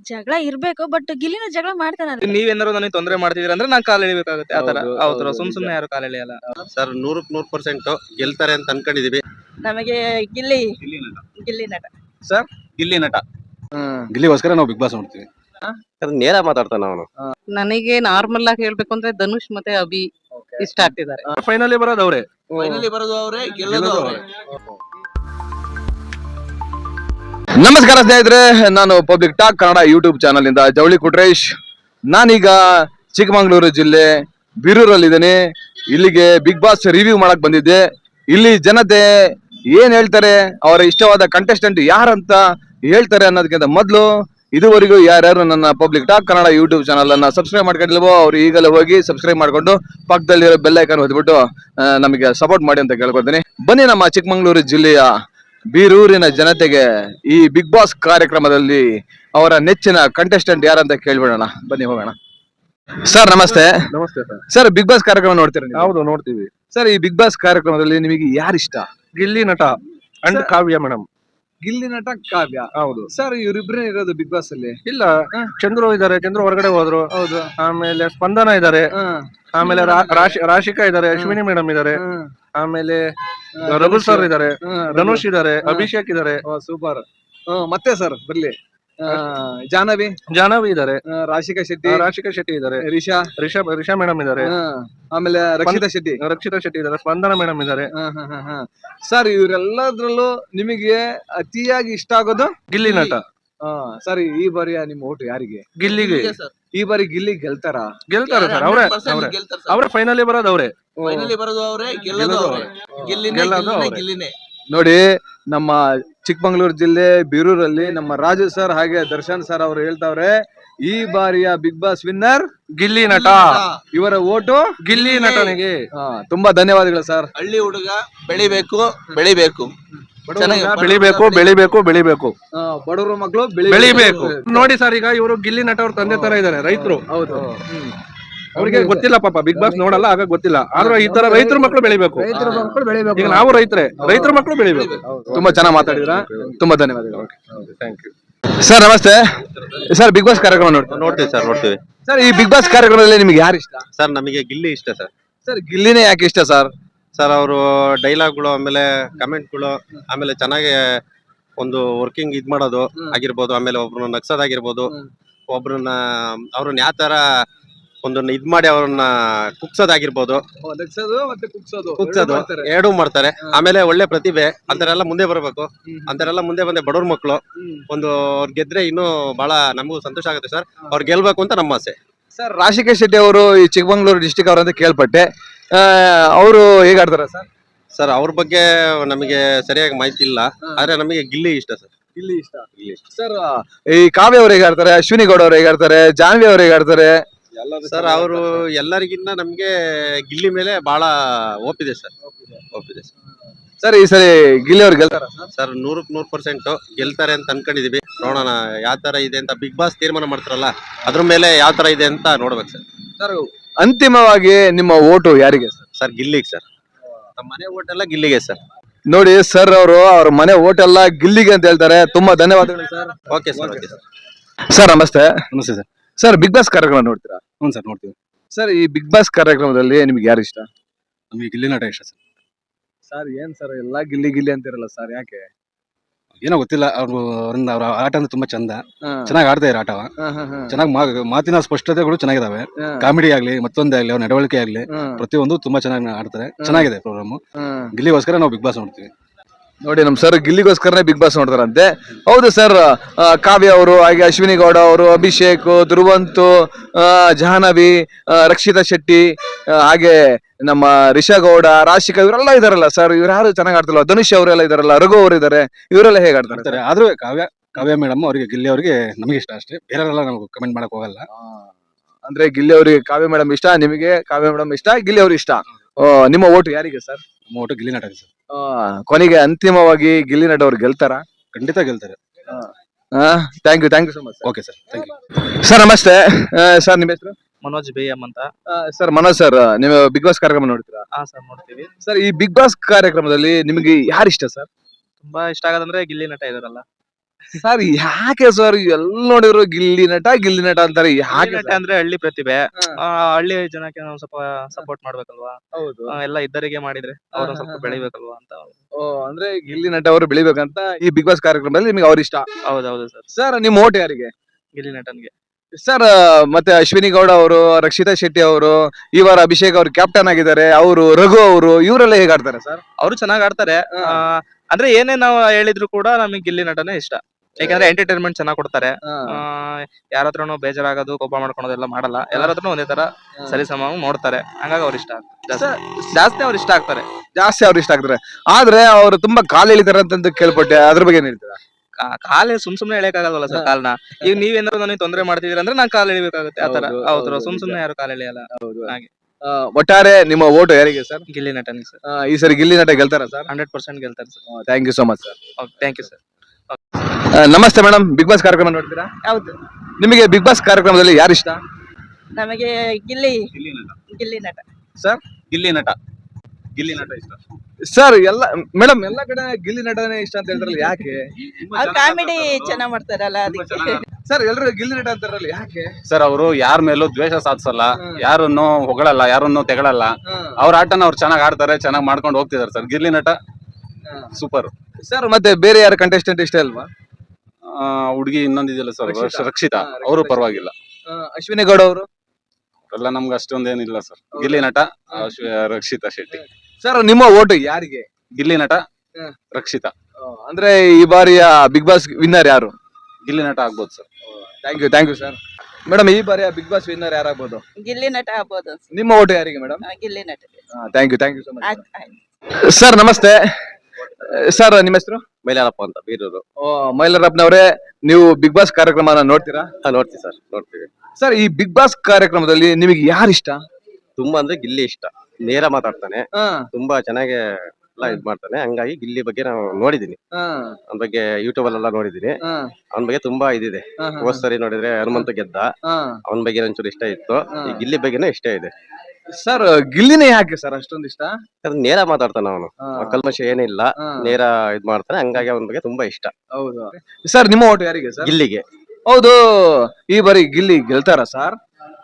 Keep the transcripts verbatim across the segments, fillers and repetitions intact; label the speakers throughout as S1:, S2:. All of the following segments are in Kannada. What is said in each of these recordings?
S1: ಜಗಳ ಇರ್ಬೇಕು ಬಟ್ ಗಿಲ್ಲಿನ ಜಗಳ ಮಾಡ್ತಾನ.
S2: ನೀವೇನಾದ್ರು ನನಗೆ ತೊಂದರೆ ಮಾಡ್ತಿದೀರ ಅಂದ್ರೆ ನಾನ್ ಕಾಲ್ ಎಳಿಬೇಕಾಗುತ್ತೆ ಆತರ.
S3: ಹೌದು,
S2: ಹೌದು
S3: ಹೌದು,
S2: ಸುಮ್
S3: ನಿಜ.
S2: ಸುಮ್ನೆ ಯಾರು ಕಾಲ್ ಎಳೆಯಲ್ಲ.
S4: ಸರ್ ನೂರಕ್ ನೂರ್ ಪರ್ಸೆಂಟ್ ಗೆಲ್ತಾರೆ ಅಂತ ಅನ್ಕೊಂಡಿದೀವಿ.
S1: ನಮಗೆ ಗಿಲ್ಲಿ ಗಿಲ್ಲಿ ನಟ.
S2: ಸರ್ ಗಿಲ್ಲಿ ನಟ.
S3: ಗಿಲ್ಲಿಗೋಸ್ಕರ ನಾವು ಬಿಗ್ ಬಾಸ್ ನೋಡ್ತೀವಿ.
S4: ನೇರ ಮಾತಾಡ್ತಾನ ಅವನು.
S5: ನನಗೆ ನಾರ್ಮಲ್ ಆಗಿ ಹೇಳ್ಬೇಕು ಅಂದ್ರೆ ಧನುಷ್ ಮತ್ತೆ ಅಭಿ ಇಷ್ಟ ಆಗ್ತಿದ್ದಾರೆ.
S3: ಫೈನಲಿ ಬರೋದು ಅವರೇ.
S4: ಬರೋದು ಅವರೇ, ಗೆಲ್ಲೋದು ಅವರೇ.
S3: ನಮಸ್ಕಾರ ಸ್ನೇಹಿತರೆ, ನಾನು public talk Kannada YouTube channel ಇಂದ ಜವಳಿ ಕುಟ್ರೇಶ್. ನಾನೀಗ ಚಿಕ್ಕಮಗಳೂರು ಜಿಲ್ಲೆ ಬೀರೂರಲ್ಲಿದ್ದೇನೆ. ಇಲ್ಲಿಗೆ ಬಿಗ್ ಬಾಸ್ ರಿವ್ಯೂ ಮಾಡಕ್ ಬಂದಿದ್ದೆ. ಇಲ್ಲಿ ಜನತೆ ಏನ್ ಹೇಳ್ತಾರೆ, ಅವರ ಇಷ್ಟವಾದ ಕಂಟೆಸ್ಟೆಂಟ್ ಯಾರಂತ ಹೇಳ್ತಾರೆ ಅನ್ನೋದಕ್ಕಿಂತ ಮೊದಲು ಇದುವರೆಗೂ ಯಾರ್ಯಾರು ನನ್ನ public talk Kannada YouTube channel ಅನ್ನ ಸಬ್ಸ್ಕ್ರೈಬ್ ಮಾಡ್ಕೊಂಡಿಲ್ವೋ ಅವ್ರು ಈಗಲೇ ಹೋಗಿ ಸಬ್ಸ್ಕ್ರೈಬ್ ಮಾಡ್ಕೊಂಡು ಪಕ್ಕದಲ್ಲಿರೋ ಬೆಲ್ ಐಕಾನ್ ಹೊದ್ಬಿಟ್ಟು ನಮಗೆ ಸಪೋರ್ಟ್ ಮಾಡಿ ಅಂತ ಕೇಳ್ಕೊತೀನಿ. ಬನ್ನಿ ನಮ್ಮ ಚಿಕ್ಕಮಗಳೂರು ಜಿಲ್ಲೆಯ ಬೀರೂರಿನ ಜನತೆಗೆ ಈ ಬಿಗ್ ಬಾಸ್ ಕಾರ್ಯಕ್ರಮದಲ್ಲಿ ಅವರ ನೆಚ್ಚಿನ ಕಂಟೆಸ್ಟೆಂಟ್ ಯಾರಂತ ಕೇಳ್ಬಿಡೋಣ. ಬನ್ನಿ ಹೋಗೋಣ. ಸರ್ ನಮಸ್ತೆ.
S6: ನಮಸ್ತೆ ಸರ್.
S3: ಸರ್ ಬಿಗ್ ಬಾಸ್ ಕಾರ್ಯಕ್ರಮ ನೋಡ್ತೀರಾ ನೀವು?
S6: ಹೌದು, ನೋಡ್ತೀವಿ
S3: ಸರ್ ಈ ಬಿಗ್ ಬಾಸ್ ಕಾರ್ಯಕ್ರಮದಲ್ಲಿ ನಿಮಗೆ ಯಾರಿಷ್ಟ?
S6: ಗಿಲ್ಲಿ ನಟ ಅಂಡ್ ಕಾವ್ಯ ಮೇಡಮ್.
S3: ಗಿಲ್ಲಿ ನಟ, ಕಾವ್ಯ.
S6: ಹೌದು
S3: ಸರ್ ಇವರಿಬ್ರೇ ಇರೋದು ಬಿಗ್ ಬಾಸ್ ಅಲ್ಲಿ?
S6: ಇಲ್ಲ, ಚಂದ್ರು ಇದಾರೆ, ಚಂದ್ರು ಹೊರಗಡೆ ಹೋದ್ರು.
S3: ಹೌದು.
S6: ಆಮೇಲೆ ಸ್ಪಂದನ ಇದಾರೆ, ಆಮೇಲೆ ರಾ- ರಾಶಿ- ರಾಶಿಕಾ ಇದಾರೆ, ಅಶ್ವಿನಿ ಮೇಡಮ್ ಇದಾರೆ, ಆಮೇಲೆ ರಘು ಸರ್ ಇದಾರೆ, ಧನುಷ್ ಇದಾರೆ, ಅಭಿಷೇಕ್ ಇದಾರೆ,
S3: ಸೂಪರ್. ಮತ್ತೆ ಸರ್ ಬರ್ಲಿ ಆ, ಜಾಹ್ನವಿ,
S6: ಜಾಹ್ನವಿ ಇದಾರೆ,
S3: ಆ, ರಾಶಿಕಾ ಶೆಟ್ಟಿ,
S6: ರಾಶಿಕಾ ಶೆಟ್ಟಿ ಇದಾರೆ,
S3: ರಿಷಾ,
S6: ರಿಷಾ ರಿಷಾ ಮೇಡಮ್ ಇದಾರೆ,
S3: ಆ, ಆಮೇಲೆ ರಕ್ಷಿತಾ ಶೆಟ್ಟಿ,
S6: ರಕ್ಷಿತಾ ಶೆಟ್ಟಿ ಇದಾರೆ, ಸ್ಪಂದನ ಮೇಡಮ್ ಇದಾರೆ.
S3: ಸರ್ ಇವರೆಲ್ಲದ್ರಲ್ಲೂ ನಿಮಗೆ ಅತಿಯಾಗಿ ಇಷ್ಟ ಆಗೋದು
S6: ಗಿಲ್ಲಿ ನಟ.
S3: ಸರ್ ಈ ಬಾರಿಯ ನಿಮ್ಮ ಓಟು ಯಾರಿಗೆ?
S6: ಗಿಲ್ಲಿಗೆ.
S3: ಈ ಬಾರಿ ಗಿಲ್ಲಿ ಗೆಲ್ತಾರ?
S6: ಗೆಲ್ತಾರೆ ಸರ್, ಅವರೇ ಅವರೇ ಅವರೇ ಫೈನಲಿ ಬರೋದು ಅವರೇ.
S4: ಬರೋದು ಅವರೇ, ಗೆಲ್ಲೋದು ಅವರೇ.
S6: ಗೆಲ್ಲೋದು ಅವರೇ.
S4: ಗಿಲ್ಲಿನೇ.
S3: ನೋಡಿ, ನಮ್ಮ ಚಿಕ್ಕಮಗಳೂರು ಜಿಲ್ಲೆ ಬೀರೂರಲ್ಲಿ ನಮ್ಮ ರಾಜು ಸರ್ ಹಾಗೆ ದರ್ಶನ್ ಸರ್ ಅವರು ಹೇಳ್ತಾವ್ರೆ, ಈ ಬಾರಿಯ ಬಿಗ್ ಬಾಸ್ ವಿನ್ನರ್
S6: ಗಿಲ್ಲಿ ನಟ.
S3: ಇವರ ಓಟು
S6: ಗಿಲ್ಲಿ ನಟನಿಗೆ.
S3: ಆ, ತುಂಬಾ ಧನ್ಯವಾದಗಳು ಸರ್.
S4: ಹಳ್ಳಿ ಹುಡುಗ ಬೆಳಿಬೇಕು ಬೆಳಿಬೇಕು ಚೆನ್ನಾಗಿ
S6: ಬೆಳಿಬೇಕು ಬೆಳಿಬೇಕು ಬೆಳಿಬೇಕು
S3: ಆ, ಬಡವರು ಮಕ್ಕಳು
S6: ಬೆಳಿಬೇಕು. ನೋಡಿ ಸರ್, ಈಗ ಇವರು ಗಿಲ್ಲಿ ನಟ ಅವ್ರ ತಂದೆ ತರ ಇದಾರೆ, ರೈತರು.
S3: ಹೌದು.
S6: ಅವ್ರಿಗೆ ಗೊತ್ತಿಲ್ಲ ಪಾಪ, ಬಿಗ್ ಬಾಸ್ ನೋಡಲ್ಲ, ಆಗ ಗೊತ್ತಿಲ್ಲ. ಆದ್ರೆ ಈ ತರ ರೈತರ ಮಕ್ಕಳು ಬೆಳಿಬೇಕು. ಈಗ ನಾವು ರೈತರೇ, ರೈತರ ಮಕ್ಕಳು ಬೆಳಿಬೇಕು.
S3: ತುಂಬಾ ಚೆನ್ನಾಗಿ ಮಾತಾಡಿದ್ರ, ತುಂಬಾ ಧನ್ಯವಾದಗಳು.
S6: ಥ್ಯಾಂಕ್ ಯು
S3: ಸರ್ ನಮಸ್ತೆ. ಸರ್ ಬಿಗ್ ಬಾಸ್ ಕಾರ್ಯಕ್ರಮ ನೋಡ್ತೀರಾ?
S4: ನೋಡ್ತೀವಿ ಸರ್, ನೋಡ್ತೀವಿ
S3: ಸರ್ ಈ ಬಿಗ್ ಬಾಸ್ ಕಾರ್ಯಕ್ರಮದಲ್ಲಿ ನಿಮ್ಗೆ ಯಾರು ಇಷ್ಟ?
S4: ಸರ್. ನಮಗೆ ಗಿಲ್ಲಿ ಇಷ್ಟ ಸರ್.
S3: ಸರ್ ಗಿಲ್ಲಿನೇ ಯಾಕೆ ಇಷ್ಟ ಸರ್?
S4: ಸರ್ ಅವರು ಡೈಲಾಗ್ಗಳು, ಆಮೇಲೆ ಕಮೆಂಟ್ಗಳು, ಆಮೇಲೆ ಚೆನ್ನಾಗಿ ಒಂದು ವರ್ಕಿಂಗ್ ಇದ್ ಮಾಡೋದು ಆಗಿರ್ಬೋದು, ಆಮೇಲೆ ಒಬ್ರನ್ನ ನಗ್ಸೋದಾಗಿರ್ಬೋದು, ಒಬ್ರನ್ನ ಅವ್ರನ್ನ ಯಾವ ತರ ಒಂದನ್ನ ಇದ್ ಮಾಡಿ ಅವ್ರನ್ನ ಕುಗ್ಸೋದಾಗಿರ್ಬೋದು,
S3: ನಗ್ಸೋದು ಮತ್ತೆ ಕುಗ್ಸೋದು
S4: ಕುಗ್ಸೋದು ಎರಡೂ ಮಾಡ್ತಾರೆ. ಆಮೇಲೆ ಒಳ್ಳೆ ಪ್ರತಿಭೆ, ಅಂತರೆಲ್ಲ ಮುಂದೆ ಬರಬೇಕು. ಅಂತರೆಲ್ಲ ಮುಂದೆ ಬಂದೆ ಬಡವ್ರ ಮಕ್ಕಳು ಒಂದು ಅವ್ರು ಗೆದ್ರೆ ಇನ್ನೂ ಬಹಳ ನಮಗೂ ಸಂತೋಷ ಆಗುತ್ತೆ ಸರ್. ಅವ್ರು ಗೆಲ್ಬೇಕು ಅಂತ ನಮ್ಮ ಆಸೆ.
S3: ಸರ್ ರಾಶಿಕಾ ಶೆಟ್ಟಿ ಅವರು ಈ ಚಿಕ್ಕಮಗಳೂರು ಡಿಸ್ಟಿಕ್ ಅವರಂತ ಕೇಳ್ಪಟ್ಟೆ, ಅವರು ಹೇಗಾಡ್ತಾರ ಸರ್?
S4: ಸರ್ ಅವ್ರ ಬಗ್ಗೆ ನಮಗೆ ಸರಿಯಾಗಿ ಮಾಹಿತಿ ಇಲ್ಲ, ಆದ್ರೆ ನಮಗೆ ಗಿಲ್ಲಿ ಇಷ್ಟ ಸರ್.
S3: ಗಿಲ್ಲಿ ಇಷ್ಟ. ಗಿಲ್ಲಿ ಸರ್ ಈ ಕಾವ್ಯ ಅವ್ರು ಹೇಗಾಡ್ತಾರೆ, ಅಶ್ವಿನಿ ಗೌಡ ಅವ್ರು ಹೇಗಾಡ್ತಾರೆ, ಜಾನ್ವಿ ಅವ್ರು ಹೇಗಾಡ್ತಾರೆ?
S4: ಸರ್ ಅವರು ಎಲ್ಲರಿಗಿಂತ ನಮ್ಗೆ ಗಿಲ್ಲಿ ಮೇಲೆ ಬಹಳ ಒಪ್ಪಿದೆ ಸರ್, ಒಪ್ಪಿದೆ ಸರ್.
S3: ಸರ್ ಈ ಸರಿ ಗಿಲ್ಲಿ ಅವ್ರು ಗೆಲ್ತಾರ?
S4: ಸರ್ ನೂರಕ್ ನೂರ್ ಪರ್ಸೆಂಟ್ ಗೆಲ್ತಾರೆ ಅಂತ ಅನ್ಕೊಂಡಿದೀವಿ. ನೋಡೋಣ ಯಾವ ತರ ಇದೆ ಅಂತ. ಬಿಗ್ ಬಾಸ್ ತೀರ್ಮಾನ ಮಾಡ್ತಾರಲ್ಲ, ಅದ್ರ ಮೇಲೆ ಯಾವ ತರ ಇದೆ ಅಂತ ನೋಡ್ಬೇಕು ಸರ್.
S3: ಸರ್ ಅಂತಿಮವಾಗಿ ನಿಮ್ಮ ಓಟು ಯಾರಿಗೆ ಸರ್?
S4: Sir ಗಿಲ್ಲಿಗೆ sir. ನಮ್ಮ ಮನೆ ಓಟ್ ಎಲ್ಲ ಗಿಲ್ಲಿಗೆ ಸರ್.
S3: ನೋಡಿ ಸರ್, ಅವರು ಅವ್ರ ಮನೆ ಓಟ್ ಎಲ್ಲ ಗಿಲ್ಲಿಗೆ ಅಂತ ಹೇಳ್ತಾರೆ. ತುಂಬಾ ಧನ್ಯವಾದಗಳು sir.
S4: Okay sir, okay sir.
S3: Sir ನಮಸ್ತೆ.
S6: ನಮಸ್ತೆ ಸರ್.
S3: ಸರ್ ಬಿಗ್ ಬಾಸ್ ಕಾರ್ಯಕ್ರಮ ನೋಡ್ತೀರಾ?
S6: ಹ್ಞೂ ಸರ್, ನೋಡ್ತೀವಿ.
S3: ಸರ್ ಈ ಬಿಗ್ ಬಾಸ್ ಕಾರ್ಯಕ್ರಮದಲ್ಲಿ ನಿಮ್ಗೆ ಯಾರು ಇಷ್ಟ?
S6: ನಮಗೆ ಗಿಲ್ಲಿ ನಟ ಇಷ್ಟ ಸರ್.
S3: ಸರ್ ಏನ್ ಸರ್ ಎಲ್ಲಾ ಗಿಲ್ಲಿ ಗಿಲ್ಲಿ ಅಂತಿರಲ್ಲ ಸರ್, ಯಾಕೆ?
S6: ಏನೋ ಗೊತ್ತಿಲ್ಲ, ಅವ್ರು ಅವರಿಂದ ಅವ್ರ ಆಟ ಅಂದ್ರೆ ತುಂಬಾ ಚಂದ, ಚೆನ್ನಾಗಿ ಆಡ್ತಾ ಇದ್ದಾರೆ ಆಟವ. ಚೆನ್ನಾಗಿ ಮಾತಿನ ಸ್ಪಷ್ಟತೆಗಳು ಚೆನ್ನಾಗಿದಾವೆ. ಕಾಮಿಡಿ ಆಗ್ಲಿ, ಮತ್ತೊಂದೇ ಆಗ್ಲಿ, ಅವ್ರ ನಡವಳಿಕೆ ಆಗ್ಲಿ, ಪ್ರತಿಯೊಂದು ತುಂಬಾ ಚೆನ್ನಾಗಿ ಆಡ್ತಾರೆ. ಚೆನ್ನಾಗಿದೆ ಪ್ರೋಗ್ರಾಮ್. ಗಿಲ್ಲಿಗೋಸ್ಕರ ನಾವು ಬಿಗ್ ಬಾಸ್ ನೋಡ್ತೀವಿ.
S3: ನೋಡಿ ನಮ್ ಸರ್ ಗಿಲ್ಲಿಗೋಸ್ಕರನೇ ಬಿಗ್ ಬಾಸ್ ನೋಡ್ತಾರಂತೆ. ಹೌದು ಸರ್, ಕಾವ್ಯ ಅವರು, ಹಾಗೆ ಅಶ್ವಿನಿ ಗೌಡ ಅವರು, ಅಭಿಷೇಕ್, ಧ್ರುವಂತು, ಜಾಹ್ನವಿ, ರಕ್ಷಿತಾ ಶೆಟ್ಟಿ, ಹಾಗೆ ನಮ್ಮ ರಿಷಾ ಗೌಡ, ರಾಶಿಕಾ, ಇವರೆಲ್ಲ ಇದಾರಲ್ಲ ಸರ್. ಇವ್ರು ಯಾರು ಚೆನ್ನಾಗಿ ಆಡ್ತಾರಲ್ಲ, ಧನುಷ್ ಅವರೆಲ್ಲ ಇದಾರಲ್ಲ, ರಘು ಅವರು ಇದಾರೆ, ಇವರೆಲ್ಲ ಹೇಗೆ ಆಡ್ತಾರೆ?
S6: ಆದ್ರೂ ಕಾವ್ಯ ಕಾವ್ಯ ಮೇಡಮ್ ಅವರಿಗೆ, ಗಿಲ್ಲಿ ಅವರಿಗೆ ನಮಗೆ ಇಷ್ಟ ಅಷ್ಟೇ, ಬೇರೆಲ್ಲ ನಾವು ಕಮೆಂಟ್ ಮಾಡಕ್ ಹೋಗಲ್ಲ.
S3: ಅಂದ್ರೆ ಗಿಲ್ಲಿ ಅವರಿಗೆ ಕಾವ್ಯ ಮೇಡಮ್ ಇಷ್ಟ, ನಿಮಗೆ ಕಾವ್ಯ ಮೇಡಮ್ ಇಷ್ಟ, ಗಿಲ್ಲಿ ಅವ್ರಿಗೆ ಇಷ್ಟ. ನಿಮ್ಮ ಓಟು ಯಾರಿಗೆ ಸರ್?
S6: ನಮ್ಮ ಓಟು ಗಿಲ್ಲಿ ನಟ ಸರ್.
S3: ಕೊನೆಗೆ ಅಂತಿಮವಾಗಿ ಗಿಲ್ಲಿ ನಟ ಅವ್ರು ಗೆಲ್ತಾರ?
S6: ಖಂಡಿತ ಗೆಲ್ತಾರೆ.
S3: Thank you, thank you so much.
S6: Okay sir, thank you.
S3: Sir ನಮಸ್ತೆ. ಸರ್ ನಿಮ್ಮ ಹೆಸರು?
S2: ಮನೋಜ್ ಬಿ ಎಂ ಅಂತ.
S3: ಸರ್ ಮನೋಜ್ ಸರ್, ನೀವು ಬಿಗ್ ಬಾಸ್ ಕಾರ್ಯಕ್ರಮ ನೋಡ್ತೀರಾ?
S2: ಹಾ ಸರ್, ನೋಡ್ತೀವಿ.
S3: ಸರ್ ಈ ಬಿಗ್ ಬಾಸ್ ಕಾರ್ಯಕ್ರಮದಲ್ಲಿ ನಿಮಗೆ ಯಾರು ಇಷ್ಟ ಸರ್?
S2: ತುಂಬಾ ಇಷ್ಟ ಆಗೋದಂದ್ರೆ ಗಿಲ್ಲಿ ನಟ ಇದಾರಲ್ಲ.
S3: ಸರ್ ಯಾಕೆ ಸರ್ ಎಲ್ಲಿ ನೋಡಿದ್ರು ಗಿಲ್ಲಿ ನಟ ಗಿಲ್ಲಿ ನಟ ಅಂತಾರೆ
S2: ಗಿಲ್ಲಿ
S3: ಯಾಕೆ
S2: ನಟ ಅಂದ್ರೆ ಹಳ್ಳಿ ಪ್ರತಿಭೆ.
S3: ಹಾ.
S2: ಆ, ಹಳ್ಳಿ ಜನಕ್ಕೆ ನಾವು ಸ್ವಲ್ಪ ಸಪೋರ್ಟ್ ಮಾಡ್ಬೇಕಲ್ವಾ.
S3: ಹೌದು
S2: ಆ, ಎಲ್ಲ ಇದ್ದರಿಗೆ ಮಾಡಿದ್ರೆ ಅವ್ರನ್ನ ಸ್ವಲ್ಪ
S3: ಹಾ, ಹಾ.
S2: ಬೆಳಿಬೇಕಲ್ವಾ ಅಂತ.
S3: ಓ ಅಂದ್ರೆ ಗಿಲ್ಲಿ ನಟ ಅವರು ಬೆಳಿಬೇಕಂತ ಈ ಬಿಗ್ ಬಾಸ್ ಕಾರ್ಯಕ್ರಮದಲ್ಲಿ ನಿಮ್ಗೆ ಅವ್ರ ಇಷ್ಟ.
S2: ಹೌದೌದು ಸರ್.
S3: ಸರ್ ನಿಮ್ಮ ಓಟ್ ಯಾರಿಗೆ?
S2: ಗಿಲ್ಲಿ ನಟನ್ಗೆ.
S3: ಸರ್ ಮತ್ತೆ ಅಶ್ವಿನಿ ಗೌಡ ಅವರು, ರಕ್ಷಿತಾ ಶೆಟ್ಟಿ ಅವರು, ಈ ವಾರ ಅಭಿಷೇಕ್ ಅವರು ಕ್ಯಾಪ್ಟನ್ ಆಗಿದ್ದಾರೆ, ಅವರು ರಘು ಅವರು, ಇವರೆಲ್ಲ ಹೇಗೆ ಆಡ್ತಾರೆ ಸರ್?
S2: ಅವರು ಚೆನ್ನಾಗ್ ಆಡ್ತಾರೆ.
S3: ಹಾ.
S2: ಆ, ಅಂದ್ರೆ ಏನೇ ನಾವು ಹೇಳಿದ್ರು ಕೂಡ ನಮಗೆ ಗಿಲ್ಲಿ ನಟನೇ ಇಷ್ಟ. ಯಾಕಂದ್ರೆ ಎಂಟರ್ಟೈನ್ಮೆಂಟ್ ಚೆನ್ನಾಗ್ ಕೊಡ್ತಾರೆ. ಆ, ಯಾರ ಹತ್ರನು ಬೇಜಾರಾಗೋದು ಕೋಪ ಮಾಡ್ಕೊಳೋದೆಲ್ಲ ಮಾಡಲ್ಲ. ಎಲ್ಲರ ಹತ್ರನು ಒಂದೇ ತರ ಸರಿಸಮ ನೋಡ್ತಾರೆ. ಹಂಗಾಗಿ ಅವ್ರು ಇಷ್ಟ ಆಗ್ತಾರೆ. ಜಾಸ್ತಿ ಜಾಸ್ತಿ ಅವ್ರು ಇಷ್ಟ ಆಗ್ತಾರೆ.
S3: ಜಾಸ್ತಿ ಅವ್ರು ಇಷ್ಟ ಆಗ್ತಾರೆ. ಆದ್ರೆ ಅವರು ತುಂಬಾ ಕಾಲ್ ಎಳಿತಾರೆ ಅಂತ ಕೇಳ್ಪಟ್ಟೆ, ಅದ್ರ ಬಗ್ಗೆ ಏನ್ ಹೇಳ್ತೀರಾ?
S2: ಕಾ- ಕಾಲೇ ಸುಮ್ ಸುಮ್ನೆ ಎಳೆಯಕ್ಕಾಗಲ್ವಲ್ಲ ಸರ್ ಕಾಲ್ನ. ಈಗ ನೀವೇನಾದ್ರು ನನಗೆ ತೊಂದರೆ ಮಾಡ್ತಿದೀರ ಅಂದ್ರೆ ನಾನ್ ಕಾಲ್ ಎಳಿಬೇಕಾಗುತ್ತೆ ಆತರ.
S3: ಹೌದು,
S2: ಹೌದು
S3: ಹೌದು,
S2: ಸುಮ್
S3: ನಿಜ.
S2: ಸುಮ್ನೆ ಯಾರು ಕಾಲ್ ಎಳೆಯಲ್ಲ. ಹಾಗೆ.
S3: ಆ, ಒಟ್ಟಾರೆ ನಿಮ್ಮ ಓಟು ಯಾರಿಗೆ ಸರ್?
S2: ಗಿಲ್ಲಿ ನಟನ್ಗೆ ಸರ್.
S3: ಆ, ಈ ಸರಿ ಗಿಲ್ಲಿ ನಟ ಗೆಲ್ತಾರ ಸರ್?
S2: ಹಂಡ್ರೆಡ್ ಪರ್ಸೆಂಟ್ ಗೆಲ್ತಾರೆ sir.
S3: Thank you so much sir.
S2: Okay thank you sir.
S3: ನಮಸ್ತೆ ಮೇಡಮ್, ಬಿಗ್ ಬಾಸ್ ಕಾರ್ಯಕ್ರಮ ನೋಡ್ತೀರಾ?
S1: ಹೌದು.
S3: ನಿಮಗೆ ಬಿಗ್ ಬಾಸ್ ಕಾರ್ಯಕ್ರಮದಲ್ಲಿ ಯಾರು ಇಷ್ಟ?
S1: ನಮಗೆ ಗಿಲ್ಲಿ
S2: ಗಿಲ್ಲಿ ನಟ.
S1: ಗಿಲ್ಲಿ ನಟ.
S3: ಸರ್
S2: ಗಿಲ್ಲಿ ನಟ. ಗಿಲ್ಲಿ ನಟ ಇಷ್ಟ.
S3: ಸರ್ ಎಲ್ಲ ಮೇಡಮ್ ಎಲ್ಲ ಕಡೆ ಗಿಲ್ಲಿ ನಟನೇ ಇಷ್ಟ ಅಂತ ಹೇಳ್ತಾರಲ್ಲ, ಯಾಕೆ?
S1: ಅವ್ರು ಕಾಮಿಡಿ ಚೆನ್ನಾಗ್ ಮಾಡ್ತಾರಲ್ಲ ಅದಕ್ಕೆ.
S3: ಸರ್ ಎಲ್ಲರೂ ಗಿಲ್ಲಿ ನಟ ಅಂತಾರಲ್ಲ, ಯಾಕೆ?
S6: ಸರ್ ಅವರು ಯಾರ ಮೇಲೂ ದ್ವೇಷ ಸಾಧಿಸಲ್ಲ, ಯಾರನ್ನು ಹೊಗಳಲ್ಲ, ಯಾರನ್ನು ತೆಗಳಲ್ಲ. ಅವ್ರ ಆಟನ ಅವ್ರು ಚೆನ್ನಾಗಿ ಆಡ್ತಾರೆ, ಚೆನ್ನಾಗಿ ಮಾಡ್ಕೊಂಡು ಹೋಗ್ತಿದಾರೆ ಸರ್. ಗಿಲ್ಲಿ ನಟ ಸೂಪರ್.
S3: ಸರ್ ಮತ್ತೆ ಬೇರೆ ಯಾರು ಕಂಟೆಸ್ಟೆಂಟ್ ಇಷ್ಟ ಅಲ್ವಾ?
S6: ಹುಡುಗಿ ಇನ್ನೊಂದಿದೆಯಲ್ಲ ಸರ್,
S3: ರಕ್ಷಿತಾ.
S6: ರಕ್ಷಿತಾ,
S3: ಹಾ,
S6: ಅವರು
S3: ರಕ್ಷಿತಾ.
S6: ಪರವಾಗಿಲ್ಲ.
S3: ಆ, ಅಶ್ವಿನಿ ಗೌಡ ಅವರು?
S6: ಎಲ್ಲ ನಮ್ಗೆ ಅಷ್ಟೊಂದೇನಿಲ್ಲ ಸರ್. ಗಿಲ್ಲಿ ನಟ, ಅಶ್ವ- ರಕ್ಷಿತಾ ಶೆಟ್ಟಿ.
S3: ಸರ್ ನಿಮ್ಮ ಓಟು ಯಾರಿಗೆ?
S6: ಗಿಲ್ಲಿ ನಟ,
S3: ಹಾ.
S6: ರಕ್ಷಿತಾ.
S3: ಆ, ಅಂದ್ರೆ ಈ ಬಾರಿಯ ಬಿಗ್ ಬಾಸ್ ವಿನ್ನರ್ ಯಾರು?
S6: ಗಿಲ್ಲಿ ನಟ ಆಗ್ಬೋದು sir.
S3: Thank you thank you sir. Madam ಈ ಬಾರಿಯ ಬಿಗ್ ಬಾಸ್ ವಿನ್ನರ್ ಯಾರಾಗ್ಬೋದು?
S1: ಗಿಲ್ಲಿ ನಟ ಆಗ್ಬೋದು.
S3: ನಿಮ್ಮ ಓಟು ಯಾರಿಗೆ ಮೇಡಮ್?
S1: ಆ, Gilli Nata.
S3: Thank you thank you so much.
S1: ಆಯ್ತು ಆಯ್ತು.
S3: ಸರ್ ನಮಸ್ತೆ. ಸರ್ ನಿಮ್ಮ ಹೆಸರು?
S4: ಮೈಲಾರಪ್ಪ ಅಂತ ಬೀರೂರು.
S3: ಮೈಲಾರಪ್ಪನವರೇ, ನೀವು ಬಿಗ್ ಬಾಸ್ ಕಾರ್ಯಕ್ರಮನ ನೋಡ್ತೀರಾ?
S4: ಹಾ, ನೋಡ್ತೀವಿ ಸರ್, ನೋಡ್ತೀವಿ.
S3: ಸರ್ ಈ ಬಿಗ್ ಬಾಸ್ ಕಾರ್ಯಕ್ರಮದಲ್ಲಿ ನಿಮಗೆ ಯಾರು ಇಷ್ಟ?
S4: ತುಂಬಾ ಅಂದ್ರೆ ಗಿಲ್ಲಿ ಇಷ್ಟ. ನೇರ ಮಾತಾಡ್ತಾನೆ,
S3: ಹಾ,
S4: ತುಂಬಾ ಚೆನ್ನಾಗಿ ಎಲ್ಲ ಇದ್ ಮಾಡ್ತಾನೆ. ಹಂಗಾಗಿ ಗಿಲ್ಲಿ ಬಗ್ಗೆ ನಾವು ನೋಡಿದೀನಿ.
S3: ಹಾ,
S4: ಅವನ ಬಗ್ಗೆ ಯೂಟ್ಯೂಬ್ ಅಲ್ಲೆಲ್ಲ ನೋಡಿದೀನಿ.
S3: ಹಾ,
S4: ಅವನ ಬಗ್ಗೆ ತುಂಬಾ ಇದಿದೆ.
S3: ಹಾ, ಹಾ,
S4: ಹೋದ್ ಸರಿ ನೋಡಿದ್ರೆ ಹನುಮಂತ ಗೆದ್ದ,
S3: ಹಾ.
S4: ಅವನ ಬಗ್ಗೆ ಒಂಚೂರು ಇಷ್ಟ ಇತ್ತು. ಈ ಗಿಲ್ಲಿ ಬಗ್ಗೆನೂ ಇಷ್ಟ ಇದೆ.
S3: ಸರ್ ಗಿಲ್ಲಿನೇ ಯಾಕೆ ಸರ್ ಅಷ್ಟೊಂದು ಇಷ್ಟ?
S4: ಅದು ನೇರ ಮಾತಾಡ್ತಾನೆ ಅವನು,
S3: ಹಾ.
S4: ಕಲ್ಮಶ ಏನಿಲ್ಲ,
S3: ಹಾ.
S4: ನೇರ ಇದ್ ಮಾಡ್ತಾನೆ. ಹಂಗಾಗಿ ಅವನ ಬಗ್ಗೆ ತುಂಬಾ ಇಷ್ಟ
S3: ಹೌದು. ಸರ್ ನಿಮ್ಮ ಓಟು ಯಾರಿಗೆ ಸರ್?
S4: ಗಿಲ್ಲಿಗೆ.
S3: ಹೌದು, ಈ ಬಾರಿ ಗಿಲ್ಲಿ ಗೆಲ್ತಾರ ಸರ್?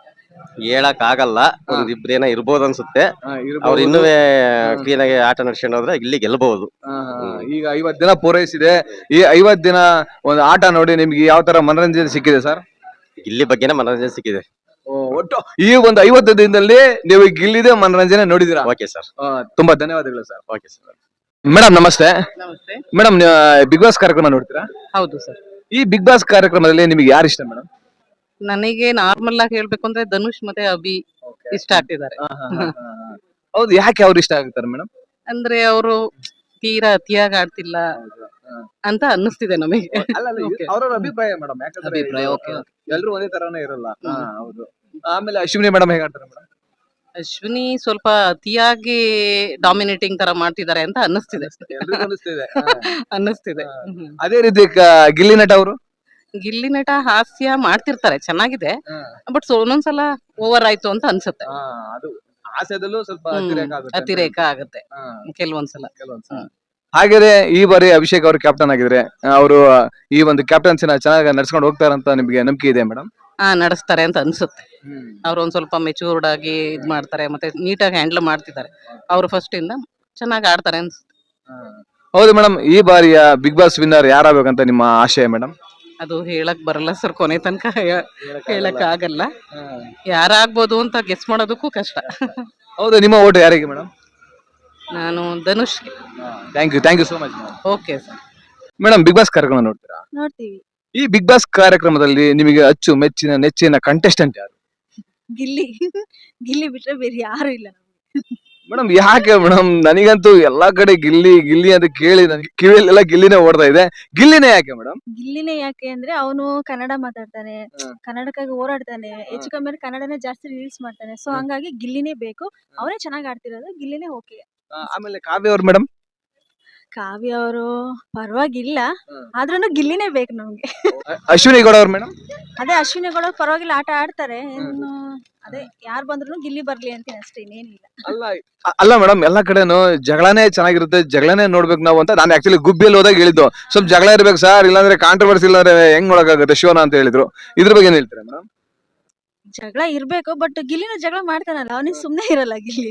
S4: ಹೇಳಕ್ ಆಗಲ್ಲ, ಒಂದಿಬ್ರು ಏನೋ ಇರ್ಬೋದು ಅನ್ಸುತ್ತೆ.
S3: ಹಾ, ಇರ್ಬೋದು.
S4: ಅವ್ರು ಇನ್ನೂ ಕ್ಲೀನ್ ಆಗಿ ಆಟ ನಡ್ಸ್ಕೊಂಡು ಹೋದ್ರೆ ಗಿಲ್ಲಿ ಗೆಲ್ಬಹುದು.
S3: ಹಾ, ಹಾ. ಈಗ ಐವತ್ ದಿನ ಪೂರೈಸಿದೆ. ಈ ಐವತ್ ದಿನ ಒಂದು ಆಟ ನೋಡಿ ನಿಮ್ಗೆ ಯಾವ ತರ ಮನರಂಜನೆ ಸಿಕ್ಕಿದೆ ಸರ್?
S4: ಗಿಲ್ಲಿ ಬಗ್ಗೆನೇ ಮನೋರಂಜನೆ ಸಿಕ್ಕಿದೆ.
S3: ಓ, ಒಟ್ಟು ಈ ಒಂದು ಐವತ್ತು ದಿನದಲ್ಲಿ ನೀವು ಗಿಲ್ಲಿದೆ ಮನರಂಜನೆ ನೋಡಿದಿರಾ?
S4: ಓಕೆ ಸರ್,
S3: ಆ, ತುಂಬಾ ಧನ್ಯವಾದಗಳು ಸರ್.
S4: Okay sir.
S3: ಮೇಡಮ್ ನಮಸ್ತೆ.
S5: ನಮಸ್ತೆ.
S3: ಮೇಡಮ್ ಬಿಗ್ ಬಾಸ್ ಕಾರ್ಯಕ್ರಮ ನೋಡ್ತೀರಾ?
S5: ಹೌದು ಸರ್.
S3: ಈ ಬಿಗ್ ಬಾಸ್ ಕಾರ್ಯಕ್ರಮದಲ್ಲಿ ನಿಮಗೆ ಯಾರು ಇಷ್ಟ ಮೇಡಮ್?
S5: ನನಗೆ ನಾರ್ಮಲ್ ಆಗಿ ಹೇಳ್ಬೇಕು ಅಂದ್ರೆ ಧನುಷ್ ಮತ್ತೆ ಅಭಿ ಇಷ್ಟ ಆಗ್ತಿದ್ದಾರೆ.
S3: ಹೌದು, ಯಾಕೆ ಅವ್ರು ಇಷ್ಟ ಆಗ್ತಾರೆ ಮೇಡಮ್?
S5: ಅಂದ್ರೆ ಅವರು ತೀರಾ ಅತಿಯಾಗಿ ಆಡ್ತಿಲ್ಲ ಅಂತ ಅನ್ನಿಸ್ತಿದೆ ನಮಗೆ. Okay.
S3: ಅವರವರ ಅಭಿಪ್ರಾಯ ಮೇಡಮ್, ಯಾಕಂದ್ರೆ
S5: ಅಭಿಪ್ರಾಯ, okay, okay.
S3: ಎಲ್ಲರೂ ಒಂದೇ ತರಾನೇ ಇರಲ್ಲ. ಹಾ, ಹೌದು. ಆಮೇಲೆ ಅಶ್ವಿನಿ ಮೇಡಮ್ ಹೇಗೆ ಆಡ್ತಾರೆ ಮೇಡಮ್?
S5: ಅಶ್ವಿನಿ ಸ್ವಲ್ಪ ಅತಿಯಾಗಿ ಡಾಮಿನೇಟಿಂಗ್ ತರ ಮಾಡ್ತಿದ್ದಾರೆ ಅಂತ ಅನ್ನಿಸ್ತಿದೆ.
S3: ಎಲ್ರಿಗೂ ಅನಿಸ್ತಿದೆ.
S5: ಅನ್ನಿಸ್ತಿದೆ.
S3: ಹಾ.
S5: ಹ್ಮ್.
S3: ಅದೇ ರೀತಿ ಕ- ಗಿಲ್ಲಿ ನಟ ಅವರು?
S5: ಗಿಲ್ಲಿ ನಟ ಹಾಸ್ಯ ಮಾಡ್ತಿರ್ತಾರೆ, ಚೆನ್ನಾಗಿದೆ. ಬಟ್ ಒಂದೊಂದ್ಸಲ ಓವರ್ ಆಯ್ತು ಅಂತ ಅನ್ಸುತ್ತೆ.
S3: ಅದು ಹಾಸ್ಯದಲ್ಲೂ ಸ್ವಲ್ಪ
S5: ಹ್ಮ್.
S3: ಅತಿರೇಕ ಆಗುತ್ತೆ ಅಂತ.
S5: ಅತಿರೇಕ ಆಗುತ್ತೆ
S3: ಹಾ,
S5: ಕೆಲವೊಂದ್ಸಲ.
S3: ಕೆಲವೊಂದ್ಸಲ.
S5: ಹ್ಮ್.
S3: ಹಾಗೆಯೇ ಈ ಬಾರಿ ಅಭಿಷೇಕ್ ಅವರು ಕ್ಯಾಪ್ಟನ್ ಆಗಿದ್ರೆ ಅವರು ಈ ಒಂದು ಕ್ಯಾಪ್ಟನ್ಸಿನ ಚೆನ್ನಾಗಿ ನಡ್ಸ್ಕೊಂಡು ಹೋಗ್ತಾರಂತ ನಿಮಗೆ ನಂಬಿಕೆ ಇದೆ ಮೇಡಮ್?
S5: ಹಾ, ನಡೆಸ್ತಾರೆ ಅಂತ ಅನ್ಸುತ್ತೆ. ಅವ್ರು ಒಂದ್ ಸ್ವಲ್ಪ ಮೆಚೂರ್ಡ್ ಆಗಿ ಇದ್ ಮಾಡ್ತಾರೆ, ಮತ್ತೆ ನೀಟಾಗಿ ಹ್ಯಾಂಡಲ್ ಮಾಡ್ತಿದ್ದಾರೆ. ಅವ್ರು ಫಸ್ಟ್ ಇಂದ ಚೆನ್ನಾಗಿ ಆಡ್ತಾರೆ ಅನ್ಸುತ್ತೆ.
S3: ಹೌದು ಮೇಡಮ್, ಈ ಬಾರಿಯ ಬಿಗ್ ಬಾಸ್ ವಿನ್ನರ್ ಯಾರಾಗಬೇಕಂತ ನಿಮ್ಮ ಆಶಯ ಮೇಡಮ್?
S5: ಅದು ಹೇಳಕ್ ಬರಲ್ಲ ಸರ್, ಕೊನೆ ತನಕ ಹೇಳಕ್ ಆಗಲ್ಲ. ಯಾರಾಗ್ಬೋದು ಅಂತ ಗೆಸ್ ಮಾಡೋದಕ್ಕೂ ಕಷ್ಟ.
S3: ಹೌದು, ನಿಮ್ಮ ಓಟು ಯಾರಿಗೆ ಮೇಡಮ್?
S5: ನಾನು ಧನುಷ್ಗೆ.
S3: Thank you thank you so much
S5: okay sir.
S3: Madam. Bigg Boss ಕಾರ್ಯಕ್ರಮ ನೋಡ್ತೀರಾ?
S1: ನೋಡ್ತೀವಿ.
S3: ಈ ಬಿಗ್ ಬಾಸ್ ಕಾರ್ಯಕ್ರಮದಲ್ಲಿ ನಿಮಗೆ ಅಚ್ಚು ಮೆಚ್ಚಿನ ನೆಚ್ಚಿನ ಕಂಟೆಸ್ಟೆಂಟ್ ಯಾರು
S1: ಗಿಲ್ಲಿ ಗಿಲ್ಲಿ ಬಿಟ್ರೆ ಬೇರೆ ಯಾರು ಇಲ್ಲ ನಮ್ಗೆ.
S3: ಮೇಡಮ್? ಯಾಕೆ ಮೇಡಮ್? ನನಗಂತೂ ಎಲ್ಲಾ ಕಡೆ ಗಿಲ್ಲಿ ಗಿಲ್ಲಿ ಅಂತ ಕೇಳಿ ನನಗೆ ಕಿವಿಯಲ್ಲೆಲ್ಲ ಗಿಲ್ಲಿನೇ ಓಡ್ತಾ ಇದೆ. ಗಿಲ್ಲಿನೇ ಯಾಕೆ ಮೇಡಮ್?
S1: ಗಿಲ್ಲಿನೇ ಯಾಕೆ ಅಂದ್ರೆ ಅವನು ಕನ್ನಡ ಮಾತಾಡ್ತಾನೆ,
S3: ಹ್ಮ್.
S1: ಕನ್ನಡಕ್ಕಾಗಿ ಹೋರಾಡ್ತಾನೆ, ಹೆಚ್ಚು ಕಮ್ಮಿ ಅಂದ್ರೆ ಕನ್ನಡನೇ ಜಾಸ್ತಿ ರೀಲ್ಸ್ ಮಾಡ್ತಾನೆ. ಸೊ ಹಂಗಾಗಿ ಗಿಲ್ಲಿನೇ ಬೇಕು. ಅವನೇ ಚೆನ್ನಾಗಿ ಆಡ್ತಿರೋದು, ಗಿಲ್ಲಿನೇ ಓಕೆ.
S3: ಆಮೇಲೆ ಕಾವ್ಯ ಅವ್ರು ಮೇಡಮ್?
S1: ಕಾವ್ಯ ಅವರು ಪರವಾಗಿಲ್ಲ,
S3: ಹ್ಮ್.
S1: ಆದ್ರೂ ಗಿಲ್ಲಿನೇ ಬೇಕು ನಮ್ಗೆ.
S3: ಅಶ್ವಿನಿ ಗೌಡ ಅವ್ರು ಮೇಡಮ್?
S1: ಅದೇ ಅಶ್ವಿನಿ ಗೌಡ ಪರವಾಗಿಲ್ಲ, ಆಟ ಆಡ್ತಾರೆ. ಇನ್ನು ಅದೇ ಯಾರ್ ಬಂದ್ರು ಗಿಲ್ಲಿ ಬರ್ಲಿ ಅಂತೀನಿ ಅಷ್ಟೇ, ಇನ್ನೇನಿಲ್ಲ.
S3: ಅಲ್ಲ ಅ- ಅಲ್ಲ ಮೇಡಮ್, ಎಲ್ಲಾ ಕಡೆನು ಜಗಳನೇ ಚೆನ್ನಾಗಿರುತ್ತೆ, ಜಗಳನೇ ನೋಡ್ಬೇಕು ನಾವು ಅಂತ. ನಾನು ಆಕ್ಚುಲಿ ಗುಬ್ಬಿಯಲ್ಲಿ ಹೋದಾಗ ಹೇಳಿದ್ದು ಸ್ವಲ್ಪ ಜಗಳ ಇರ್ಬೇಕು ಸರ್, ಇಲ್ಲಾಂದ್ರೆ ಕಾಂಟ್ರವರ್ಸಿ ಇಲ್ಲಾಂದ್ರೆ ಹೆಂಗ್ ನೋಡಕ್ಕಾಗುತ್ತೆ ಶಿವನ ಅಂತ ಹೇಳಿದ್ರು. ಇದ್ರ ಬಗ್ಗೆ ಏನ್ ಹೇಳ್ತೀರಾ ಮೇಡಮ್?
S1: ಜಗಳ ಇರ್ಬೇಕು, ಬಟ್ ಗಿಲ್ಲಿನ ಜಗಳ ಮಾಡ್ತಾನಲ್ಲ, ಅವನಿಗೆ ಸುಮ್ನೆ ಇರಲ್ಲ ಗಿಲ್ಲಿ.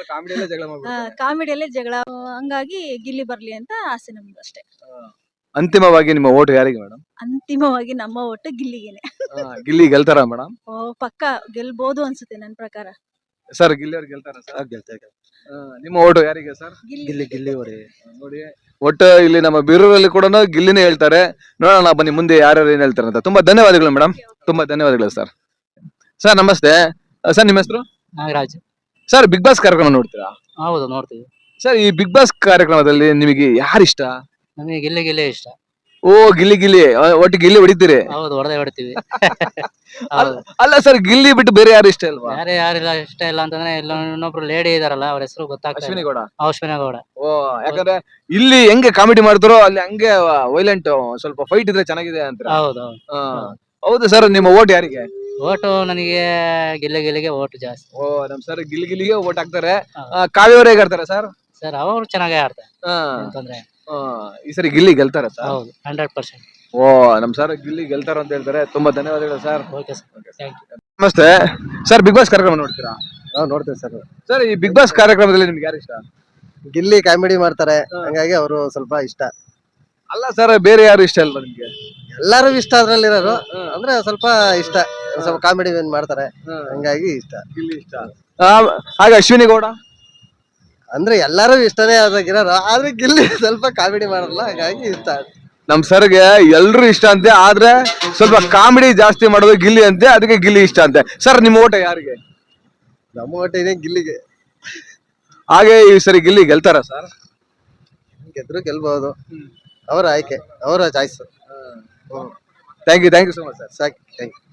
S1: ಕಾಮಿಡಿಯಲ್ಲೇ ಜಗಳ, ಹಂಗಾಗಿ ಗಿಲ್ಲಿ ಬರ್ಲಿ ಅಂತ ಆಸೆ ನಮ್ದು ಅಷ್ಟೇ.
S3: ಅಂತಿಮವಾಗಿ ನಿಮ್ಮ ಓಟ್ ಯಾರಿಗೆ ಮೇಡಮ್?
S1: ಅಂತಿಮವಾಗಿ ನಮ್ಮ ಒಟ್ಟು ಗಿಲ್ಲಿಗೆನೆ.
S3: ಗಿಲ್ಲಿ ಗೆಲ್ತಾರ ಮೇಡಮ್?
S1: ಓ ಪಕ್ಕ ಗೆಲ್ಬಹುದು ಅನ್ಸುತ್ತೆ ನನ್ ಪ್ರಕಾರ.
S3: ಸರ್ ಗಿಲ್ಲಿ ಅವ್ರು ಗೆಲ್ತಾರ ಸರ್? ನಿಮ್ಮ ಓಟು ಯಾರಿಗೆ ಸರ್?
S1: ಗಿಲ್ಲಿ
S6: ಗಿಲ್ಲಿ ಅವರೇ.
S3: ನೋಡಿ, ಒಟ್ಟು ಇಲ್ಲಿ ನಮ್ಮ ಬೀರೂರಲ್ಲಿ ಕೂಡ ಗಿಲ್ಲಿನೇ ಹೇಳ್ತಾರೆ. ನೋಡೋಣ ಬನ್ನಿ ಮುಂದೆ ಯಾರ್ಯಾರು ಏನ್ ಹೇಳ್ತಾರೆ ಅಂತ. ತುಂಬಾ ಧನ್ಯವಾದಗಳು ಮೇಡಮ್, ತುಂಬಾ ಧನ್ಯವಾದಗಳು ಸರ್. ಸರ್ ನಮಸ್ತೆ ಸರ್, ನಿಮ್ಮ ಹೆಸರು?
S5: ನಾಗರಾಜ್.
S3: ಸರ್ ಬಿಗ್ ಬಾಸ್ ಕಾರ್ಯಕ್ರಮ ನೋಡ್ತೀರಾ?
S5: ಹೌದು, ನೋಡ್ತೀವಿ.
S3: ಸರ್ ಈ ಬಿಗ್ ಬಾಸ್ ಕಾರ್ಯಕ್ರಮದಲ್ಲಿ ನಿಮಗೆ ಯಾರು ಇಷ್ಟ?
S5: ನಮಗೆ ಗಿಲ್ಲಿ ಗಿಲ್ಲಿ ಇಷ್ಟ.
S3: ಓ ಗಿಲ್ಲಿ ಗಿಲ್ಲಿ, ಆ, ಒಟ್ಟು ಗಿಲ್ಲಿ ಹೊಡಿತೀರಿ?
S5: ಹೌದು, ಹೊಡೆದೇ ಹೊಡಿತೀವಿ.
S3: ಅಲ್ಲ- ಅಲ್ಲ ಸರ್, ಗಿಲ್ಲಿ ಬಿಟ್ಟು ಬೇರೆ ಯಾರು ಇಷ್ಟ ಅಲ್ವಾ?
S5: ಯಾರೇ ಯಾರಿಲ್ಲ ಇಷ್ಟ ಇಲ್ಲ ಅಂತಂದ್ರೆ ಇಲ್ಲ ಇನ್ನೊಬ್ರು ಲೇಡಿ ಇದಾರಲ್ಲ, ಅವ್ರ ಹೆಸರು ಗೊತ್ತಾಗ್ತದೆ.
S3: ಅಶ್ವಿನಿ ಗೌಡ.
S5: ಅಶ್ವಿನಿ ಗೌಡ.
S3: ಓ, ಯಾಕಂದ್ರೆ ಇಲ್ಲಿ ಹೆಂಗೆ ಕಾಮಿಡಿ ಮಾಡ್ತಾರೋ ಅಲ್ಲಿ ಹಂಗೆ ವೈಲೆಂಟ್, ಸ್ವಲ್ಪ ಫೈಟ್ ಇದ್ರೆ ಚೆನ್ನಾಗಿದೆ ಅಂತ.
S5: ಹೌದು ಹೌದು.
S3: ಹೌದು ಸರ್, ನಿಮ್ಮ ಓಟ್ ಯಾರಿಗೆ?
S5: ಓಟು ನನಗೆ ಗಿಲ್ಲಿ ಗಿಲ್ಲಿಗೆ ಓಟು ಜಾಸ್ತಿ.
S3: ಓ ನಮ್ ಸರ್ ಗಿಲ್ಲಿ ಗಿಲ್ಲಿಗೆ ಓಟ್ ಹಾಕ್ತಾರೆ.
S5: ಹೌದು.
S3: ಆ, ಕಾವ್ಯ ಅವ್ರು ಹೇಗಾಡ್ತಾರೆ ಸರ್?
S5: ಸರ್ ಅವರು ಚೆನ್ನಾಗೇ ಆಡ್ತಾರೆ,
S3: ಆ,
S5: ಅಂತಂದ್ರೆ.
S3: ಆ, ಈ ಸರಿ ಗಿಲ್ಲಿ ಗೆಲ್ತಾರ ಸರ್?
S5: ಹೌದು, ಹಂಡ್ರೆಡ್ ಪರ್ಸೆಂಟ್.
S3: ಓ ನಮ್ ಸರ್ ಗಿಲ್ಲಿ ಗೆಲ್ತಾರ ಅಂತ ಹೇಳ್ತಾರೆ. ತುಂಬಾ ಧನ್ಯವಾದಗಳು sir.
S5: Okay sir, thank you.
S3: ನಮಸ್ತೆ ಸರ್, ಬಿಗ್ ಬಾಸ್ ಕಾರ್ಯಕ್ರಮ ನೋಡ್ತೀರಾ?
S7: ನಾವು ನೋಡ್ತೇವೆ ಸರ್.
S3: ಸರ್ ಈ ಬಿಗ್ ಬಾಸ್ ಕಾರ್ಯಕ್ರಮದಲ್ಲಿ ನಿಮ್ಗೆ ಯಾರು ಇಷ್ಟ?
S7: ಗಿಲ್ಲಿ ಕಾಮಿಡಿ ಮಾಡ್ತಾರೆ, ಹಂಗಾಗಿ ಅವರು ಸ್ವಲ್ಪ ಇಷ್ಟ.
S3: ಅಲ್ಲ ಸರ್, ಬೇರೆ ಯಾರು ಇಷ್ಟ ಅಲ್ವಾ ನಿಮ್ಗೆ?
S7: ಎಲ್ಲಾರು ಇಷ್ಟ ಅದ್ರಲ್ಲಿರೋರು, ಅಂದ್ರೆ ಸ್ವಲ್ಪ ಇಷ್ಟ, ಸ್ವಲ್ಪ ಕಾಮಿಡಿ ಏನ್ ಮಾಡ್ತಾರೆ, ಹಂಗಾಗಿ ಇಷ್ಟ.
S3: ಗಿಲ್ಲಿ ಇಷ್ಟ. ಆ, ಹಾಗೆ ಅಶ್ವಿನಿ ಗೌಡ?
S7: ಅಂದ್ರೆ ಎಲ್ಲಾರು ಇಷ್ಟನೇ ಅದಾಗಿರೋರು, ಆದ್ರೆ ಗಿಲ್ಲಿ ಸ್ವಲ್ಪ ಕಾಮಿಡಿ ಮಾಡಲ್ಲ, ಹಾಗಾಗಿ ಇಷ್ಟ.
S3: ನಮ್ ಸರ್ಗೆ ಎಲ್ರು ಇಷ್ಟ ಅಂತೆ, ಆದ್ರೆ ಸ್ವಲ್ಪ ಕಾಮಿಡಿ ಜಾಸ್ತಿ ಮಾಡೋದು ಗಿಲ್ಲಿ ಅಂತೆ, ಅದಕ್ಕೆ ಗಿಲ್ಲಿ ಇಷ್ಟ ಅಂತೆ. ಸರ್ ನಿಮ್ಮ ಓಟ ಯಾರಿಗೆ?
S7: ನಮ್ಮ ಒಟ್ಟಿಗೆ ಗಿಲ್ಲಿಗೆ.
S3: ಹಾಗೆ ಈ ಸರಿ ಗಿಲ್ಲಿ ಗೆಲ್ತಾರ ಸರ್?
S7: ಗೆದ್ರು ಗೆಲ್ಬಹುದು, ಅವರ ಆಯ್ಕೆ, ಅವರ choice.
S3: Thank you, thank you so much sir.
S7: ಸಾಕು, ಥ್ಯಾಂಕ್ ಯು.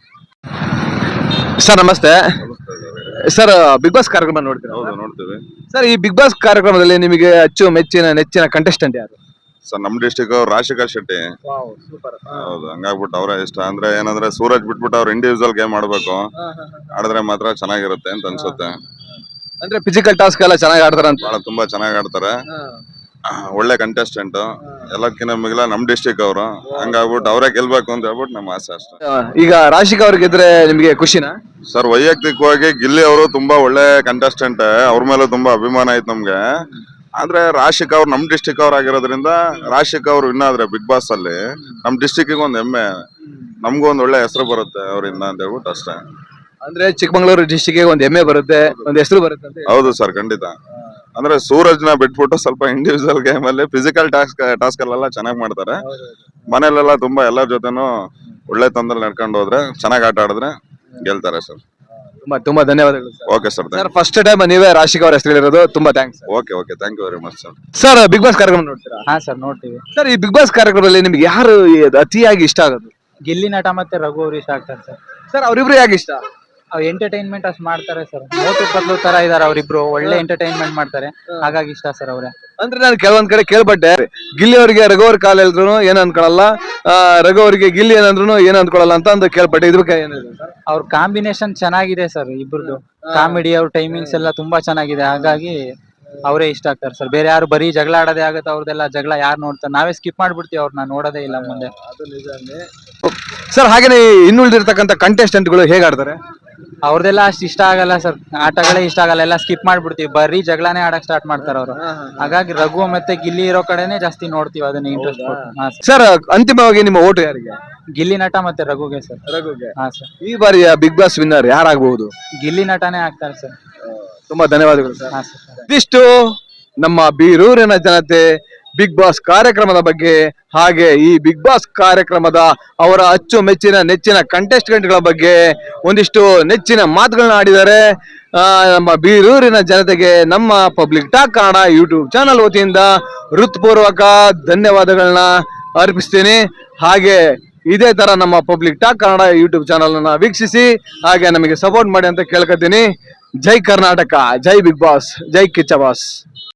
S3: ಸರ್ ನಮಸ್ತೆ ಸರ್, ಬಿಗ್ ಬಾಸ್ ಕಾರ್ಯಕ್ರಮ ನೋಡ್ತೀರಾ?
S8: ಹೌದು, ನೋಡ್ತೇವೆ
S3: ಸರ್ ಈ ಬಿಗ್ ಬಾಸ್ ಕಾರ್ಯಕ್ರಮದಲ್ಲಿ ನಿಮಗೆ ಅಚ್ಚು ಮೆಚ್ಚಿನ ನೆಚ್ಚಿನ ಕಂಟೆಸ್ಟೆಂಟ್ ಯಾರು?
S8: ಸರ್. ನಮ್ ಡಿಸ್ಟಿಕ್ ಅವ್ರು ರಾಜಶೇಖರ್ ಶೆಟ್ಟಿ. ಹೌದು, ಹಂಗಾಗ್ಬಿಟ್ಟು ಅವರೇ ಇಷ್ಟ. ಅಂದ್ರೆ ಏನಂದ್ರೆ ಸೂರಜ್ ಬಿಟ್ಬಿಟ್ಟು ಅವ್ರು ಇಂಡಿವಿಜುವಲ್ ಗೇಮ್ ಆಡ್ಬೇಕು, ಆಡಿದ್ರೆ ಮಾತ್ರ ಚೆನ್ನಾಗಿರುತ್ತೆ ಅಂತ ಅನ್ಸುತ್ತೆ.
S3: ಅಂದ್ರೆ ಫಿಸಿಕಲ್ ಟಾಸ್ಕ್ ಎಲ್ಲ ಚೆನ್ನಾಗಿ ಆಡ್ತಾರ ಅಂತ?
S8: ಬಹಳ ತುಂಬಾ ಚೆನ್ನಾಗಿ ಆಡ್ತಾರೆ, ಒಳ್ಳೆ ಕಂಟೆಸ್ಟೆಂಟ್. ಎಲ್ಲಕ್ಕಿಂತ ಮಿಗಿಲ ನಮ್ ಡಿಸ್ಟಿಕ್ ಅವರು, ಹಂಗಾಗ್ಬಿಟ್ಟು ಅವರೇ ಗೆಲ್ಬೇಕು ಅಂತ ಹೇಳ್ಬಿಟ್ಟು ನಮ್ಮ ಆಸೆ ಅಷ್ಟೇ.
S3: ಈಗ ರಾಶಿಕಾ ಅವ್ರಿಗೆ ಗೆದ್ರೆ ನಿಮಗೆ ಖುಷಿನಾ?
S8: ಸರ್ ವೈಯಕ್ತಿಕವಾಗಿ ಗಿಲ್ಲಿ ಅವರು ತುಂಬಾ ಒಳ್ಳೆ ಕಂಟೆಸ್ಟೆಂಟ್, ಅವ್ರ ಮೇಲೆ ತುಂಬಾ ಅಭಿಮಾನ ಐತ್ ನಮ್ಗೆ. ಆದ್ರೆ ರಾಶಿಕ್ ಅವ್ರು ನಮ್ ಡಿಸ್ಟಿಕ್ ಅವ್ರು ಆಗಿರೋದ್ರಿಂದ ರಾಶಿಕ್ ಅವ್ರು ವಿನ್ ಆದ್ರೆ ಬಿಗ್ ಬಾಸ್ ಅಲ್ಲಿ ನಮ್ ಡಿಸ್ಟಿಕ್ ಒಂದ್ ಹೆಮ್ಮೆ, ನಮ್ಗೂ ಒಂದ್ ಒಳ್ಳೆ ಹೆಸರು ಬರುತ್ತೆ ಅವರಿಂದ ಅಂತ ಹೇಳ್ಬಿಟ್ಟು ಅಷ್ಟೇ.
S3: ಅಂದ್ರೆ ಚಿಕ್ಕಮಂಗ್ಳೂರು ಡಿಸ್ಟಿಕ್ ಒಂದ್ ಹೆಮ್ಮೆ ಬರುತ್ತೆ, ಒಂದ್ ಹೆಸರು ಬರುತ್ತೆ ಅಂತ.
S8: ಹೌದು ಸರ್, ಖಂಡಿತ. ಅಂದ್ರೆ ಸೂರಜ್ ನ ಬಿಟ್ಬಿಟ್ಟು ಸ್ವಲ್ಪ ಇಂಡಿವಿಜುವಲ್ ಗೇಮ್ ಅಲ್ಲಿ ಫಿಸಿಕಲ್ ಟಾಸ್ಕ್ ಟಾಸ್ಕ್ ಅಲ್ಲೆಲ್ಲ ಚೆನ್ನಾಗಿ ಮಾಡ್ತಾರೆ. ಮನೇಲೆಲ್ಲ ತುಂಬಾ ಎಲ್ಲರ ಜೊತೆನೂ ಒಳ್ಳೆ ತಂದಲ್ಲಿ ನಡ್ಕೊಂಡು ಹೋದ್ರೆ, ಚೆನ್ನಾಗಿ ಆಟ ಆಡಿದ್ರೆ ಗೆಲ್ತಾರೆ ಸರ್.
S3: ತುಂಬಾ ತುಂಬಾ ಧನ್ಯವಾದಗಳು sir.
S8: Okay sir,
S3: sir first time ನೀವೇ ರಾಶಿಕಾ ಅವ್ರ ಹೆಸರು ಹೇಳಿರೋದು, ತುಂಬಾ thanks.
S8: Okay okay thank you very much sir.
S3: Sir Bigg Boss ಕಾರ್ಯಕ್ರಮ ನೋಡ್ತೀರಾ?
S9: ಹಾ ಸರ್, ನೋಡ್ತೀವಿ.
S3: ಸರ್ ಈ ಬಿಗ್ ಬಾಸ್ ಕಾರ್ಯಕ್ರಮದಲ್ಲಿ ನಿಮ್ಗೆ ಯಾರು ಅತಿಯಾಗಿ ಇಷ್ಟ ಆಗೋದು?
S9: ಗಿಲ್ಲಿ ನಟ ಮತ್ತೆ ರಘು ಅವ್ರು ಇಷ್ಟ ಆಗ್ತಾರೆ ಸರ್.
S3: ಸರ್ ಅವ್ರಿಬ್ರು ಯಾಕೆ ಇಷ್ಟ?
S9: ಅವ್ರು ಎಂಟರ್ಟೈನ್ಮೆಂಟ್ ಅಷ್ಟು ಮಾಡ್ತಾರೆ ಸರ್, ಮೋಟು ಪತ್ಲು ತರ ಇದಾರೆ ಅವರಿಬ್ರು, ಒಳ್ಳೆ ಎಂಟರ್ಟೈನ್ಮೆಂಟ್ ಮಾಡ್ತಾರೆ, ಹಾಗಾಗಿ ಇಷ್ಟ ಸರ್ ಅವ್ರೆ.
S3: ಅಂದ್ರೆ ನಾನು ಕೆಲವೊಂದ್ ಕಡೆ ಕೇಳ್ಪಟ್ಟೆ, ಗಿಲ್ಲಿ ಅವರಿಗೆ ರಘು ಅವ್ರ ಕಾಲ ಹೇಳಿದ್ರು ಏನ್ ಅನ್ಕೊಳಲ್ಲ, ರಘು ಅವರಿಗೆ ಗಿಲ್ಲಿ ಏನಂದ್ರು ಏನ್ ಅನ್ಕೊಳಲ್ಲ ಅಂತ ಒಂದು ಕೇಳ್ಪಟ್ಟೆ. ಇದ್ರ ಬಗ್ಗೆ ಏನಿದೆ ಸರ್?
S9: ಅವ್ರ ಕಾಂಬಿನೇಷನ್ ಚೆನ್ನಾಗಿದೆ ಸರ್, ಇಬ್ರದ್ದು ಕಾಮಿಡಿ, ಅವ್ರ ಟೈಮಿಂಗ್ಸ್ ಎಲ್ಲ ತುಂಬಾ ಚೆನ್ನಾಗಿದೆ, ಹಾಗಾಗಿ ಅವರೇ ಇಷ್ಟ ಆಗ್ತಾರೆ ಸರ್. ಬೇರೆ ಯಾರು ಬರೀ ಜಗಳ ಆಡೋದೇ ಆಗುತ್ತೆ, ಅವ್ರದೆಲ್ಲ ಜಗಳ ಯಾರು ನೋಡ್ತಾರೆ, ನಾವೇ ಸ್ಕಿಪ್ ಮಾಡ್ಬಿಡ್ತೀವಿ, ಅವ್ರನ್ನ ನೋಡೋದೇ ಇಲ್ಲ ಮುಂದೆ.
S3: ಸರ್ ಹಾಗೇನೆ ಇನ್ನುಳಿದಿರ್ತಕ್ಕಂಥ ಕಂಟೆಸ್ಟೆಂಟ್ ಗಳು ಹೇಗೆ ಆಡ್ತಾರೆ?
S9: ಅವ್ರದೆಲ್ಲ ಅಷ್ಟು ಇಷ್ಟ ಆಗಲ್ಲ ಸರ್, ಆಟಗಳೇ ಇಷ್ಟ ಆಗಲ್ಲ, ಎಲ್ಲ ಸ್ಕಿಪ್ ಮಾಡ್ಬಿಡ್ತೀವಿ, ಬರೀ ಜಗಳನೇ ಆಡಕ್ ಸ್ಟಾರ್ಟ್ ಮಾಡ್ತಾರೆ ಅವರು. ಹಾಗಾಗಿ ರಘು ಮತ್ತೆ ಗಿಲ್ಲಿ ಇರೋ ಕಡೆನೆ ಜಾಸ್ತಿ ನೋಡ್ತೀವಿ, ಅದನ್ನ ಇಂಟ್ರೆಸ್ಟ್ ಕೊಟ್ಟು.
S3: ಸರ್ ಅಂತಿಮವಾಗಿ ನಿಮ್ಮ ಓಟು ಯಾರಿಗೆ?
S9: ಗಿಲ್ಲಿ ನಟ ಮತ್ತೆ ರಘುಗೆ ಸರ್.
S3: ರಘುಗೆ.
S9: ಹಾ ಸರ್.
S3: ಈ ಬಾರಿಯ ಬಿಗ್ ಬಾಸ್ ವಿನ್ನರ್ ಯಾರಾಗಬಹುದು?
S9: ಗಿಲ್ಲಿ ನಟನೇ ಆಗ್ತಾರೆ ಸರ್.
S3: ತುಂಬಾ ಧನ್ಯವಾದಗಳು ಸರ್.
S9: ಹಾ ಸರ್.
S3: ಇದಿಷ್ಟು ನಮ್ಮ ಬೀರೂರಿನ ಜನತೆ ಬಿಗ್ ಬಾಸ್ ಕಾರ್ಯಕ್ರಮದ ಬಗ್ಗೆ, ಹಾಗೆ ಈ ಬಿಗ್ ಬಾಸ್ ಕಾರ್ಯಕ್ರಮದ ಅವರ ಅಚ್ಚುಮೆಚ್ಚಿನ ನೆಚ್ಚಿನ ಕಂಟೆಸ್ಟೆಂಟ್ ಗಳ ಬಗ್ಗೆ ಒಂದಿಷ್ಟು ನೆಚ್ಚಿನ ಮಾತುಗಳನ್ನ ಆಡಿದ್ದಾರೆ. ಆ, ನಮ್ಮ ಬೀರೂರಿನ ಜನತೆಗೆ ನಮ್ಮ public talk Kannada YouTube channel ವತಿಯಿಂದ ಹೃತ್ಪೂರ್ವಕ ಧನ್ಯವಾದಗಳನ್ನ ಅರ್ಪಿಸ್ತೀನಿ. ಹಾಗೆ ಇದೇ ತರ ನಮ್ಮ public talk Kannada YouTube channel ಅನ್ನ ವೀಕ್ಷಿಸಿ, ಹಾಗೆ ನಮಗೆ ಸಪೋರ್ಟ್ ಮಾಡಿ ಅಂತ ಕೇಳ್ಕೊತೀನಿ. ಜೈ ಕರ್ನಾಟಕ, ಜೈ ಬಿಗ್ ಬಾಸ್, ಜೈ ಕಿಚ್ಚ ಬಾಸ್.